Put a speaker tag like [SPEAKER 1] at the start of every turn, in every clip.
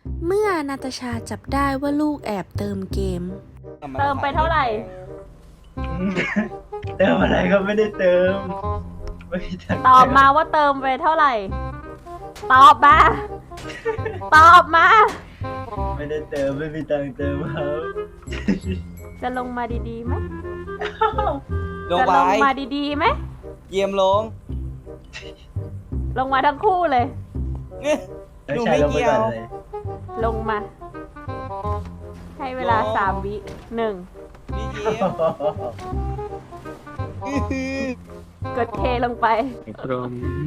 [SPEAKER 1] เมื่อนาตาชาจับได้ว่าลูกแอบเติมเกม
[SPEAKER 2] เติมไปเท่าไหร่
[SPEAKER 3] เติมอะไรก็ไม่ได้เติมไม่มีทาง
[SPEAKER 2] ตอบมาว่าเติมไปเท่าไหร่ ตอบมา ตอบมา
[SPEAKER 3] ไม่ได้เติมไม่มีตังค์เติมครับ
[SPEAKER 2] จะลงมาดีๆไหม
[SPEAKER 4] ลง
[SPEAKER 2] จะ
[SPEAKER 4] ไป
[SPEAKER 2] ลงมาดีๆไหม
[SPEAKER 4] เยี่ยมลง
[SPEAKER 2] ลงมาทั้งคู่เลย
[SPEAKER 4] หนูไม่เกี่ยว
[SPEAKER 3] แล้วชาลงไปอนเลย
[SPEAKER 2] ลงมา ให้เวลา
[SPEAKER 4] ลง
[SPEAKER 2] 3 วิ1
[SPEAKER 4] พี่เยี่ยม
[SPEAKER 2] กดเทลงไป
[SPEAKER 5] พร้อม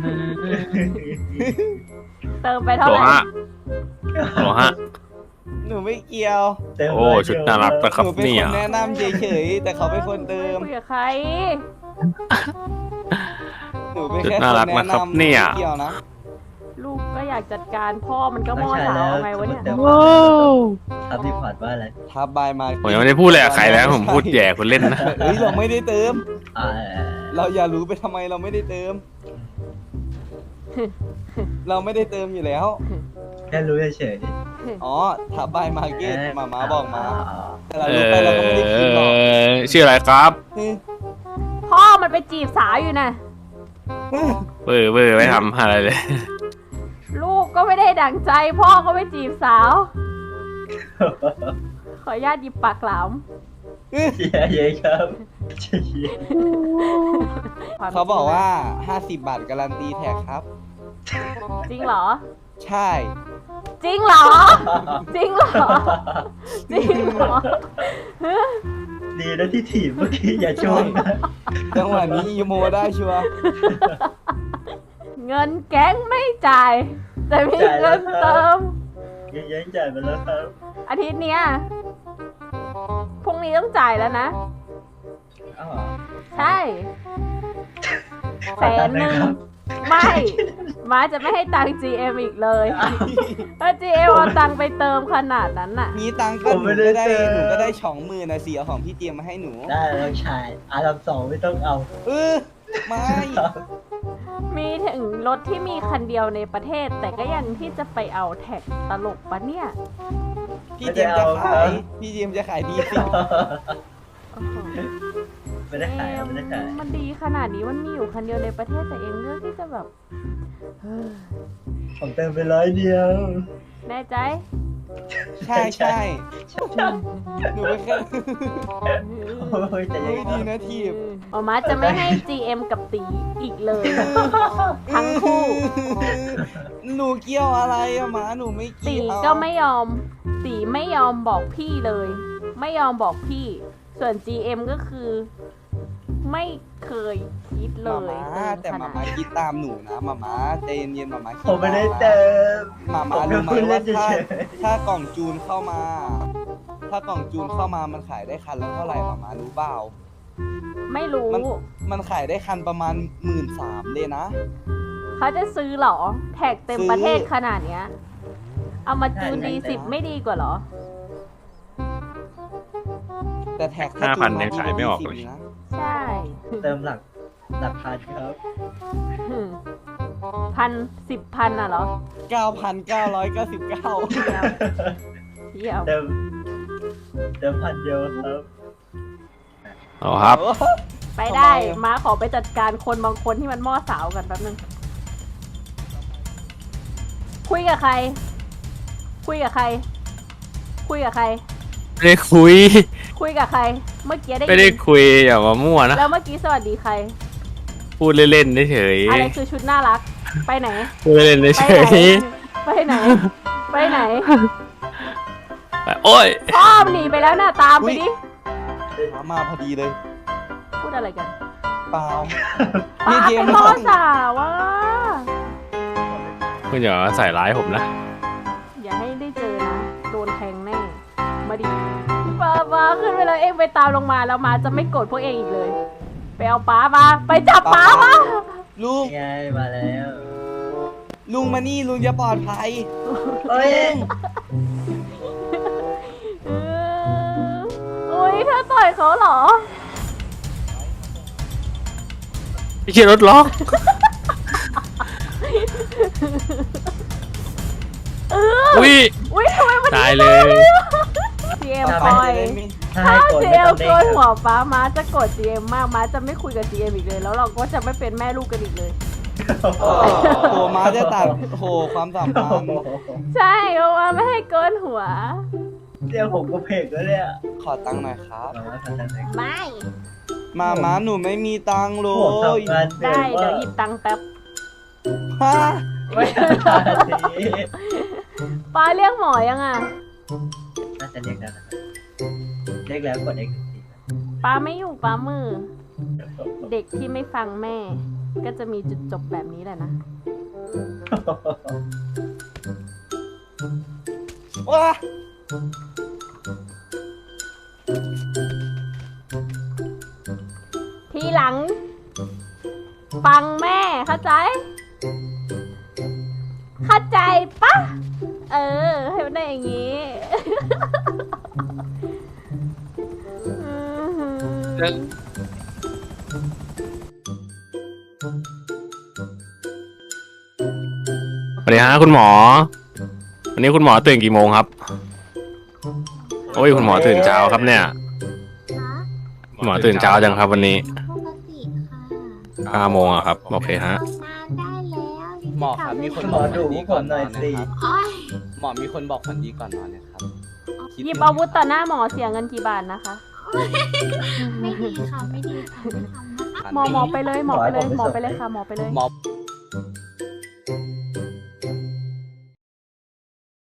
[SPEAKER 2] เติมไปเท่า
[SPEAKER 5] โหล
[SPEAKER 2] ไหร่
[SPEAKER 5] ฮะโหลฮะ
[SPEAKER 4] หนูไม่เกี่ยว
[SPEAKER 3] เติม
[SPEAKER 5] โอ้ ชุดน่ารักนะค
[SPEAKER 4] ห
[SPEAKER 5] รับ
[SPEAKER 4] นูเป็น
[SPEAKER 5] เนี่
[SPEAKER 4] ค
[SPEAKER 5] ย
[SPEAKER 4] นแนะนำเฉยๆแต่เขาเป็นคนเติม
[SPEAKER 2] คุยกับใคร
[SPEAKER 4] หนูเป็น
[SPEAKER 5] ชุด
[SPEAKER 4] แค่
[SPEAKER 5] น่า
[SPEAKER 4] ค
[SPEAKER 5] รั
[SPEAKER 4] น
[SPEAKER 5] ก
[SPEAKER 4] แนะ
[SPEAKER 5] นะครับ
[SPEAKER 4] นำ
[SPEAKER 5] เนี่ย
[SPEAKER 4] ไม่เกี่ยวนะ
[SPEAKER 2] ลูกก็อยากจัดการพ่อมันก็ม่อสาวไงวะเนี่ย
[SPEAKER 3] ทำรีพอร์ตว่าอะไร
[SPEAKER 4] ทับบายมา
[SPEAKER 5] ผมยังไม่ได้พูดเลยกับใครแล้วผมพูดแย่คนเล่นนะ
[SPEAKER 4] เฮ้ยเราไม่ได้เติม
[SPEAKER 3] อ่า
[SPEAKER 4] เราอย่ารู้ไปทำไมเราไม่ได้เติม เราไม่ได้เติมอยู่แล้ว
[SPEAKER 3] แค่รู้เฉย
[SPEAKER 4] อ๋อทับบายมาร์
[SPEAKER 3] ๆ
[SPEAKER 4] เก็ตมาม่าบอกมา แต่เรา
[SPEAKER 5] เอ
[SPEAKER 4] รู้ไปเราก็ไม่ได้คิดหรอก
[SPEAKER 5] ชื่ออะไรครับ
[SPEAKER 2] พ่อมันไปจีบสาวอยู่นะ
[SPEAKER 5] เบอร์ไม่ทำอะไรเลย
[SPEAKER 2] ลูกก็ไม่ได้ดั่งใจ พ่อก็ไปจีบสาว ขออนุญาตหยิบปากหลาม
[SPEAKER 3] เชียร์เย้ครับเชียร์
[SPEAKER 4] เขาบอกว่า 50 บาทการันตีแท็กครับ
[SPEAKER 2] จริงเหรอ
[SPEAKER 4] ใช่
[SPEAKER 2] จริงเหรอ จริงเหรอ จริงเหรอ
[SPEAKER 3] ดีนะที่ถีบเมื่อกี้อย่าชนนะ
[SPEAKER 4] จังหวะนี้อีโมได้ชัวร์
[SPEAKER 2] เงินแก๊งไม่จ่าย แต่มีเงินเติม
[SPEAKER 3] ยังยังจ่ายไปแล้วครับ
[SPEAKER 2] อาทิตย์เนี้ยพรุ่งนี้ต้องจ่ายแล้วนะ
[SPEAKER 3] อ้าว
[SPEAKER 2] ใช่100,000ไม่ม้าจะไม่ให้ตังค์ GM อีกเลย ถ้า GM เอาตังค์ไปเติมขนาดนั้นน่ะ
[SPEAKER 4] มีตังค์ก็หนูก็ได้20,000นะเสียของพี่เจมมาให้หนู
[SPEAKER 3] ได้แล้วชายอาร์มสองไม่ต้องเอา
[SPEAKER 4] ไม่
[SPEAKER 2] มีถึงรถที่มีคันเดียวในประเทศ แต่ก็ยังที่จะไปเอาแท็กตลกปะเนี่ย
[SPEAKER 4] พี่เจมจะขายพี่เจมจะขายดีสิ
[SPEAKER 2] โอ้โห
[SPEAKER 3] ไม่ได้ขายไม่ได้ขาย
[SPEAKER 2] มันดีขนาดนี้มันมีอยู่คันเดียวในประเทศแต่เองเลือกที่จะแบบเฮ้ย
[SPEAKER 3] ผมเติมไป100 เดียว
[SPEAKER 2] แน่ใจ
[SPEAKER 4] ใช่ใช่หนูไปแค่
[SPEAKER 3] โอ้ยแต่ยัง
[SPEAKER 4] ไม่ดีนะทีบ
[SPEAKER 2] หมอมาจะไม่ให้ GM กับตีอีกเลย ทั้งคู่
[SPEAKER 4] หนูเกี่ยวอะไรอะหมาหนูไม่
[SPEAKER 2] ตี
[SPEAKER 4] เกี่ยว
[SPEAKER 2] ก็ไม่ยอม ตีไม่ยอมบอกพี่เลย ไม่ยอมบอกพี่ ส่วน GM ก็คือ ไม่เคยคิดเล
[SPEAKER 4] มาย ม่าแต่มาม่าคิดตามหนูนะมาม่าใจเย็นๆมาม่าคิด
[SPEAKER 3] ผมไม่ได้เติม
[SPEAKER 4] มาม่ารู้ไหมว่าถ้ากล่องจูนเข้ามา ถ้ากล่องจูนเข้ามามันขายได้คันละเท่าไหร่มาม่ารู้เปล่า
[SPEAKER 2] ไม่รู้
[SPEAKER 4] มันขายได้คันประมาณ13,000เลยนะ
[SPEAKER 2] เขาจะซื้อเหรอ แท็กเต็ม
[SPEAKER 4] ซื้อ
[SPEAKER 2] ประเทศขนาดเนี้ย เอามาจูนD10ไม่ดีกว่าเหรอ
[SPEAKER 4] แต่แท็กถ้าจูน
[SPEAKER 5] 5,000ยังขายไม่ออกเลย
[SPEAKER 4] นะ
[SPEAKER 2] ใช่
[SPEAKER 3] เติมหลักพันครับ
[SPEAKER 2] 10,000อ่ะเหรอ
[SPEAKER 4] 9,999
[SPEAKER 2] เยี่ยม
[SPEAKER 3] เติมพันเดียวครับ
[SPEAKER 5] อ๋อครับ
[SPEAKER 2] ไปได้
[SPEAKER 4] ทำไมอะ
[SPEAKER 2] มาขอไปจัดการคนบางคนที่มันม่อสาวกันแป๊บนึง คุยกับใคร คุยกับใคร คุยกับใคร
[SPEAKER 5] ไม่ได้คุย
[SPEAKER 2] คุยกับใคร เมื่อกี้ได้
[SPEAKER 5] ไม่ได้
[SPEAKER 2] ยิน
[SPEAKER 5] คุยอย่ามามั่วนะ
[SPEAKER 2] แล้วเมื่อกี้สวัสดีใคร
[SPEAKER 5] พูดเล่นๆเฉย
[SPEAKER 2] อะไรคือชุดน่ารัก ไปไหน
[SPEAKER 5] ๆพูดเล่นๆ
[SPEAKER 2] ไป
[SPEAKER 5] เฉ
[SPEAKER 2] ไหน
[SPEAKER 5] ย
[SPEAKER 2] ไปไหน ไปไหน
[SPEAKER 5] ๆโอ้ย
[SPEAKER 2] พ่อหนีไปแล้วน่ะ ตามไปดิ
[SPEAKER 4] มาพอดีเลย
[SPEAKER 2] พูดอะไรกัน
[SPEAKER 4] เปล่า
[SPEAKER 2] ป้า
[SPEAKER 4] พี่เจ
[SPEAKER 2] เป็
[SPEAKER 4] ม
[SPEAKER 2] น
[SPEAKER 4] ส์
[SPEAKER 2] พ่อสาวว่ะ
[SPEAKER 5] คุณอย่ามาใส่ร้ายผมนะ
[SPEAKER 2] อย่าให้ได้เจอนะ โดนแทงแน่ มาดิป้าขึ้นไปเลยเองไปตามลงมาแล้วมาจะไม่โกรธพวกเองอีกเลย ไปเอาป้ามา ไปจับป้ามา
[SPEAKER 4] ลุง
[SPEAKER 3] ไงมาแล้ว
[SPEAKER 4] ลุงมานี่ลุงจะปลอดภัย
[SPEAKER 3] เฮ้ย
[SPEAKER 2] อุ้ยเธอต่อยเขาเหรอ
[SPEAKER 5] ไม่ใช่รถล็อก
[SPEAKER 2] เออ
[SPEAKER 5] อุ้ย
[SPEAKER 2] อุ้ย
[SPEAKER 5] ตายเลย
[SPEAKER 2] GM
[SPEAKER 4] ต่อ
[SPEAKER 2] ป
[SPEAKER 4] ไป
[SPEAKER 2] ล่อย
[SPEAKER 4] จะได้ไม่
[SPEAKER 2] ถ้า
[SPEAKER 3] ให้กดไม่
[SPEAKER 2] GM
[SPEAKER 3] ต้องเด้
[SPEAKER 2] โก
[SPEAKER 3] ง
[SPEAKER 2] น
[SPEAKER 3] ค
[SPEAKER 2] หัว
[SPEAKER 3] รับ
[SPEAKER 2] ป้าม้าจะกด GM มากม้าจะไม่คุยกับ GM อีกเลย แล้วเราก็จะไม่เป็นแม่ลูกกันอีกเลย
[SPEAKER 4] โอ้โหม้าจะตัดโอ้โหความสัมพันธ์
[SPEAKER 2] ใช่เพราะว่าไม่ให้โกนหัว
[SPEAKER 3] เดี๋ยวผมก็เพกแล้วเนี่ย
[SPEAKER 4] ขอตังค์หน่อยครับ
[SPEAKER 2] ไม่
[SPEAKER 4] ม้าหนูไม่มีตังค์เล
[SPEAKER 3] โอ้โห
[SPEAKER 4] ย
[SPEAKER 3] ทำงานเหนื่
[SPEAKER 2] ได้
[SPEAKER 3] อย
[SPEAKER 2] เดี๋ยว
[SPEAKER 3] มาก
[SPEAKER 2] หยิบตังค์แป๊บ
[SPEAKER 4] ฮะ
[SPEAKER 3] ไม่ทันที
[SPEAKER 2] ป้าเรียกหมอยังอ่ะ
[SPEAKER 3] น่าจะเรียกได้นะครับเรียกแล้วกด X
[SPEAKER 2] ป้าไม่อยู่ป้ามือ เด็กที่ไม่ฟังแม่ ก็จะมีจุดจบแบบนี้แหละนะ
[SPEAKER 4] ว้า
[SPEAKER 2] ทีหลัง ฟังแม่เข้าใจ เข้าใจปะเออ ให้มันได้อย่างนี้
[SPEAKER 5] สวัสดีฮะคุณหมอ วันนี้คุณหมอตื่นกี่โมงครับ โอ้ยคุณหมอตื่นเช้าครับเนี่ย คุณหมอตื่นเช้าจังครับวันนี้
[SPEAKER 6] ปกติค่ะ
[SPEAKER 5] 5 โมงอะครับ โอเคฮะ
[SPEAKER 6] ทำงานได้แล้ว
[SPEAKER 4] หมอครับมีคน
[SPEAKER 3] หมอดูผมหน่อยสิ
[SPEAKER 6] โอ้ย
[SPEAKER 4] หมอมีคนบอกฝันดีก่อนนอนนะครับ
[SPEAKER 2] หยิบอาวุธต่อหน้าหมอเสียเงินกี่บาทนะคะ
[SPEAKER 6] ไม่ดีค่ะ ไม่ดีค่ะไม่ทำนะคะ
[SPEAKER 2] หมอไปเลยหมอไปเลยหมอไปเลยค่ะหมอไปเลย
[SPEAKER 4] หมอ